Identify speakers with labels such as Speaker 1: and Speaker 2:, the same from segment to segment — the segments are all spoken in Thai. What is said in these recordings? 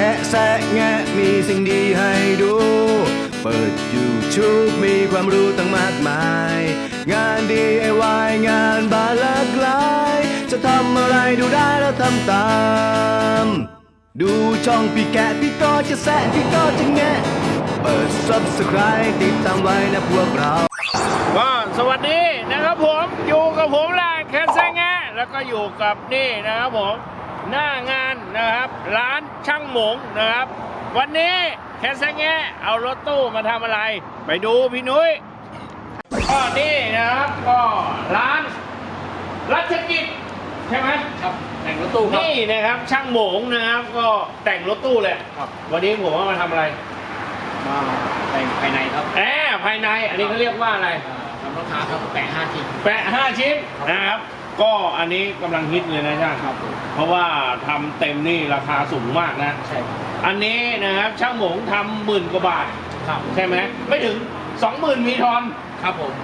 Speaker 1: แคะแซะแงะมีสิ่งดีให้ดู เปิด YouTube มีความรู้ตั้งมากมาย งาน DIY งานบานหลากหลาย จะทำอะไรดูได้แล้วทำตาม ดูช่องพี่แกะพี่ก็จะแซะพี่ก็จะแงะ เปิด Subscribe ติดตามไว้นะพวกเรา
Speaker 2: ก็สวัสดีนะครับผมอยู่กับผมแหละแคสแซงแงะแล้วก็อยู่กับนี่นะครับผมหน้างานนะครับร้านช่างหมงนะครับวันนี้แคสแซงแงะเอารถตู้มาทำอะไรไปดูพี่นุ้ยก็นี่นะครับก็ร้านรัชกิจใช่ไหมครับแต่งรถตู้นี่นะครับช่างหมงนะครับก็แต่งรถตู้เลยครับวันนี้ผมว่ามาทำอะไรมาแต่งภายในครับภายในอันนี้เขาเรียกว่าอะไรทำราคาครับแปะ5 ชิ้นแปะ5 ชิ้นนะครับก็อันนี้กำลังฮิตเลยนะช่างครับเพราะว่าทำเต็มนี่ราคาสูงมากนะใช่อันนี้นะครับช่างหมงทำ10,000 กว่าบาทครับใช่ไหมไม่ถึง 20,000 มีทอนครับผม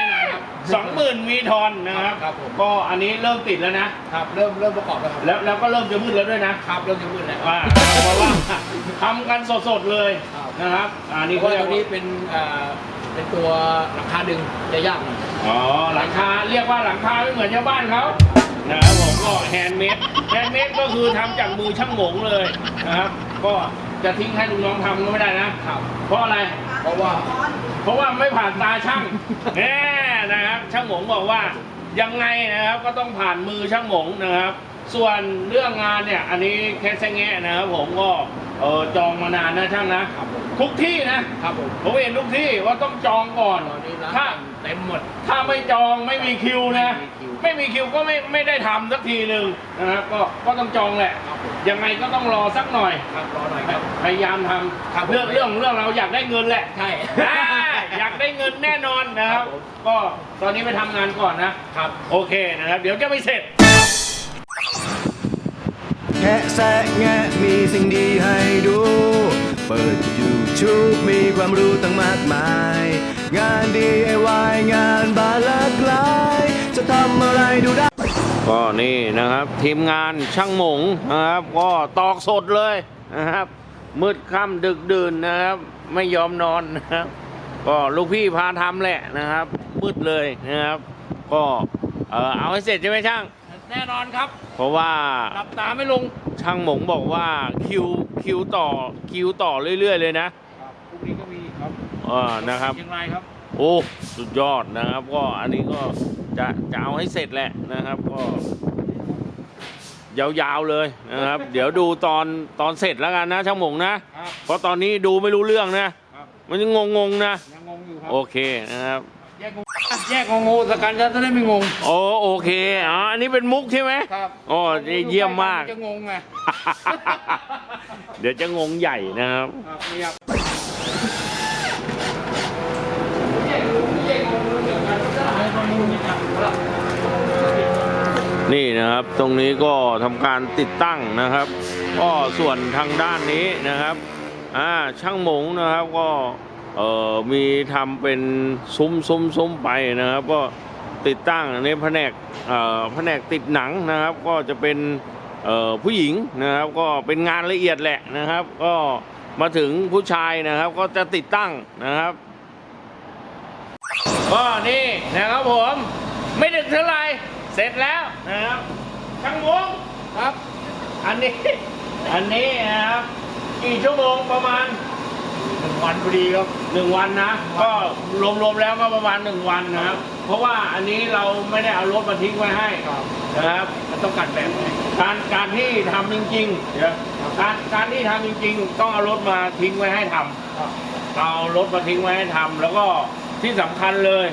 Speaker 2: 20,000 มีทอนนะครับก็อันนี้เริ่มติดแล้วนะครับเริ่มประกอบแล้วก็เริ่มจะมืดแล้วด้วยนะครับเริ่มจะมืดแล้วเพราะว่าทำกันสดๆเลยนะครับอันนี้ตัวนี้เป็นตัวหลังคาดึงจะยากหน่อยอ๋อหลังคาเรียกว่าหลังคาไม่เหมือนชาวบ้านเขานะครับผมก็แฮนด์เมดก็คือทำจากมือช่างหมงเลยนะครับก็จะทิ้งให้ลูกน้องทำก็ไม่ได้นะครับเพราะอะไรเพราะว่าไม่ผ่านตาช่างนะครับช่างหมงบอกว่ายังไงนะครับก็ต้องผ่านมือช่างหมงนะครับส่วนเรื่องงานเนี่ยอันนี้แค่แซงแงะนะครับผมก็จองมานานนะช่างนะทุกที่นะครับผมเห็นทุกที่ว่าต้องจองก่อนถ้าเต็มหมดถ้าไม่จองไม่มีคิวนะไม่มีคิวก็ไม่ได้ทำสักทีหนึ่งนะครับก็ต้องจองแหละยังไงก็ต้องรอสักหน่อยรอหน่อยครับพยายามทำเรื่องเราอยากได้เงินแหละใช่อยากได้เงินแน่นอนนะครับก็ตอนนี้ไปทำงานก่อนนะครับโอเคนะครับเดี๋ยวจะไม่เสร็จ
Speaker 1: แคะแซะแงะมีสิ่งดีให้ดู เปิด YouTube มีความรู้ตั้งมากมาย งาน DIY งานบานหลากหลาย จะทำอะไรดูได้
Speaker 2: ก็นี่นะครับทีมงานช่างหมงนะครับก็ตอกสดเลยนะครับมืดค่ำดึกดื่นนะครับไม่ยอมนอนนะครับก็ลูกพี่พาทำแหละนะครับมืดเลยนะครับก็เอาให้เสร็จใช่ไหมช่างแน่นอนครับเพราะว่าหลับตาไม่ลงช่างหมงบอกว่าคิวต่อเรื่อยๆเลยนะพรุ่งนี้ก็มีครับนะครับยังไงครับโอ้สุดยอดนะครับก็อันนี้ก็จะเอาให้เสร็จแหละนะครับก็ยาวๆเลยนะครับเดี๋ยวดูตอนเสร็จแล้วกันนะช่างหมงนะเพราะตอนนี้ดูไม่รู้เรื่องนะมันยังงงนะยังงงอยู่ครับโอเคนะครับแยกงงสักการจะได้ไม่งงโอเคอันนี้เป็นมุกใช่ไหมครับเยี่ยมมากจะงงไงเดี๋ยวจะงงใหญ่นะครับนี่นะครับตรงนี้ก็ทำการติดตั้งนะครับก็ส่วนทางด้านนี้นะครับช่างหมงนะครับก็มีทำเป็นซุ้มไปนะครับก็ติดตั้งในแผนกติดหนังนะครับก็จะเป็นผู้หญิงนะครับก็เป็นงานละเอียดแหละนะครับก็มาถึงผู้ชายนะครับก็จะติดตั้งนะครับก็นี่นะครับผมไม่ดึกเท่าไหร่เสร็จแล้วนะครับช่างหมงครับอันนี้นะครับกี่ชั่วโมงประมาณ1 วันพอดีครับ1 วันนะก็รวมแล้วก็ประมาณ1 วันนะครับเพราะว่าอันนี้เราไม่ได้เอารถมาทิ้งไว้ให้นะครับมันต้องกัดแบบการที่ทำจริงๆเดี๋ยวการที่ทำจริงๆต้องเอารถมาทิ้งไว้ให้ทำเอารถมาทิ้งไว้ให้ทำแล้วก็ที่สำคัญเลย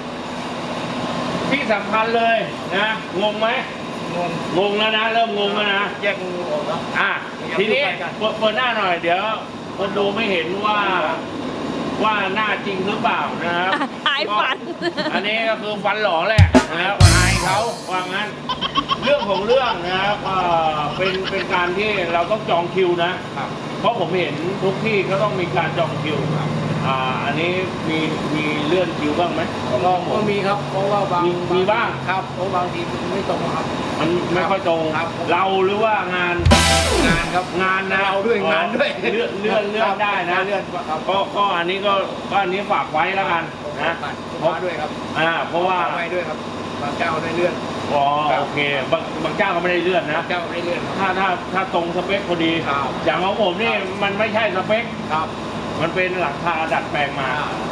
Speaker 2: นะงงไหมงงแล้วนะเริ่มงงแล้วนะแยกงงออกแล้วทีนี้เปิดหน้าหน่อยเดี๋ยวคนดูไม่เห็นว่าหน้าจริงหรือเปล่านะครับหายฟันอันนี้ก็คือฟันหล่อแหละนะครับอายเขาว่างั้นเรื่องของเรื่องนะครับเป็นการที่เราต้องจองคิวนะเพราะผมเห็นทุกที่ก็ต้องมีการจองคิวอันนี้มีเลื่อนคิวบ้างไหมของ
Speaker 3: ก็
Speaker 2: ช่างหมง
Speaker 3: มีครับเพราะว่าบาง
Speaker 2: มีบ้าง
Speaker 3: ครับเพราะบางทีมันไม่ตรงครับ
Speaker 2: มันไม่ค่อยตรง
Speaker 3: ครับ
Speaker 2: เราหรือว่างาน
Speaker 3: งานครับ
Speaker 2: งานนะ
Speaker 3: เราด้วยงานด้วย
Speaker 2: เลื่อนได้นะ
Speaker 3: เลื่อนครับ
Speaker 2: ก็อันนี้ก็อันนี้ฝากไว้แล้วกันนะ
Speaker 3: เพราะด้วยครับ
Speaker 2: เพราะว่า
Speaker 3: ไว้ด้วยครับบางเจ้าได้เลื่อน
Speaker 2: อ๋อโอเคบางเจ้าก็ไม่ได้เลื่อนนะ
Speaker 3: บางเจ้าได้เลื่อนครับ
Speaker 2: ถ้าตรงสเปคพอดี
Speaker 3: ครับ
Speaker 2: อย่างของผมนี่มันไม่ใช่สเปค
Speaker 3: ครับ
Speaker 2: มันเป็นหลังคาดัดแปลงมา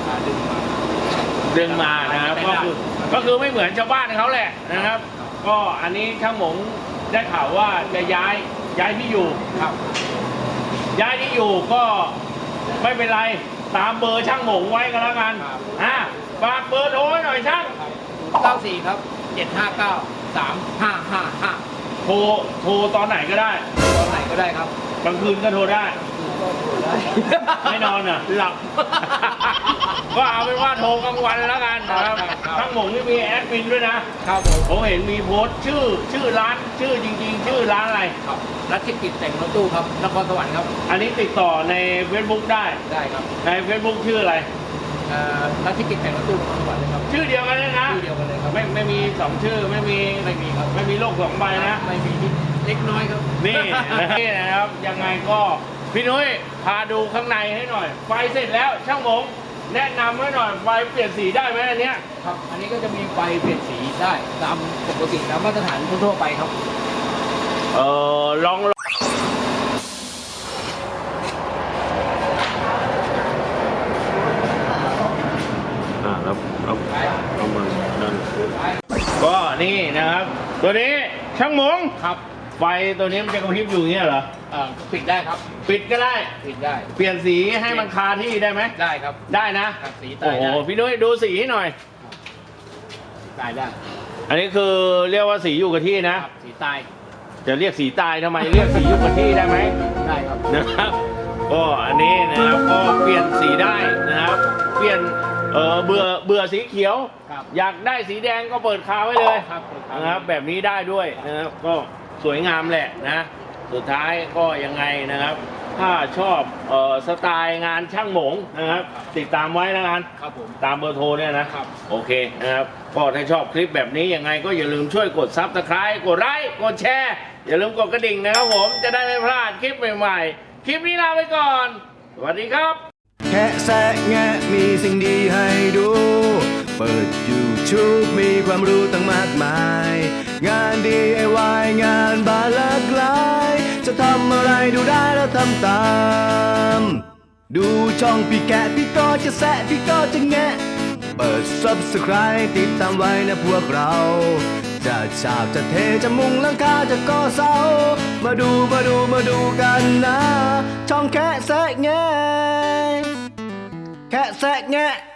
Speaker 3: ดึงมา
Speaker 2: นะครับ
Speaker 3: ไม่ได้
Speaker 2: ก็คือไม่เหมือนชาวบ้านเขาแหละนะครับ ก็อันนี้ช่างหมงได้ข่าวว่าจะย้ายที่อยู่
Speaker 3: ครับ
Speaker 2: ย้ายที่อยู่ก็ไม่เป็นไรตามเบอร์ช่างหมงไว้ก็แล้วกันฝากเบอร์โทรไว้หน่อยช่าง
Speaker 3: 94ครับ759 3555
Speaker 2: โทรตอนไหนก็ได้
Speaker 3: ตอนไหนก็ได้ครับ
Speaker 2: กลางคืนก็โทรได้
Speaker 3: ก็โทรได้
Speaker 2: ไม่นอนอ่ะ
Speaker 3: หลับ
Speaker 2: ก็เอาเป็นว่าโทรกลางวันแล้วกันนะครับ
Speaker 3: ครับ
Speaker 2: ช่างหมงนี่มีแอดมินด้วยนะครับ ผมเห็นมีโพสต์ชื่อร้านชื่อจริงๆ ชื่อร้านอะไร
Speaker 3: ครับรัชกิจแต่งรถตู้ครับนครสวรรค์ครับ
Speaker 2: อันนี้ติดต่อใน Facebook ได้
Speaker 3: ได้ครับ
Speaker 2: ใน Facebook ชื่ออะไร
Speaker 3: รัชกิจแต่งรถตู้นครสวรรค์เลยครับ
Speaker 2: ชื่อเดียวกันเลยนะ
Speaker 3: ชื่อเดียวกันเลยครับ
Speaker 2: ไม่มีสองชื่อไม่มี
Speaker 3: ไม่มีครับ
Speaker 2: ไม่มีโลกสองใบนะ
Speaker 3: ไม่มีนิดเล็กน้อยครับ
Speaker 2: นี่นี่นะครับยังไงก็พี่นุ้ยพาดูข้างในให้หน่อย ไฟเสร็จแล้วช่างหมงแนะนำให้หน่อยไฟเปลี่ยนสีได้ไหมอันเนี้ย
Speaker 3: ครับ อันนี้ก็จะมีไฟเปลี่ยนสีได้ตามปกติตามมาตรฐานทั่วๆไปครับ
Speaker 2: ลองแล้วเอามานั่นก็นี่นะครับ ตัวนี้ช่างหมง
Speaker 3: ครับ
Speaker 2: ไฟตัวนี้มันจะกระพริบอยู่อย่างเงี้ยเหรอ
Speaker 3: ปิดได้ครับ
Speaker 2: ปิดก็ได้
Speaker 3: ปิดได้
Speaker 2: เปลี่ยนสีให้มันคาที่ได้ไหม
Speaker 3: ได้ครับ
Speaker 2: ได้นะครับ
Speaker 3: สีตา
Speaker 2: โอ้
Speaker 3: ย
Speaker 2: โห
Speaker 3: ได้
Speaker 2: พี่นุ้ยดูสีให้หน่อย
Speaker 3: ตายได้
Speaker 2: อันนี้คือเรียกว่าสีอยู่กับที่นะ
Speaker 3: ครับสีตาย
Speaker 2: จะเรียกสีตายทำไม เรียกสีอยู่กับที่ได้ไหม
Speaker 3: ได้ครับ
Speaker 2: นะครับ ก็อันนี้นะครับก็เปลี่ยนสีได้นะครับ เปลี่ยนเบื่อสีเขียว
Speaker 3: ครับ
Speaker 2: อยากได้สีแดงก็เปิดคาไว้เลย
Speaker 3: ครับ
Speaker 2: นะครับ แบบนี้ได้ด้วยนะครับก็สวยงามแหละนะสุดท้ายก็ยังไงนะครับ ถ้าชอบสไตล์งานช่างหมงนะครับ ติดตามไว้แล้วกัน
Speaker 3: ครับผม
Speaker 2: ตามเบอร์โทรเนี่ยนะครับ โอเคนะครับก็ถ้าชอบคลิปแบบนี้ยังไงก็อย่าลืมช่วยกดซับสไครต์กดไลค์กดแชร์อย่าลืมกดกระดิ่งนะครับผมจะได้ไม่พลาดคลิปใหม่ๆ คลิปนี้ลาไปก่อน สวัสดีครับ
Speaker 1: แค่แซะแงะมีสิ่งดีให้ดู เปิด YouTube มีความรู้ตั้งมากมาย งาน DIY งานบานหลากหลาย จะทำอะไรดูได้แล้วทำตาม ดูช่องพี่แกะพี่ก็จะแซะพี่ก็จะแงะ เปิด Subscribe ติดตามไว้นะพวกเรา จะฉาบจะเทจะมุงหลังคาจะก่อเสา มาดูกันนะ ช่องแค่แซะแงะแค่แซะแงะ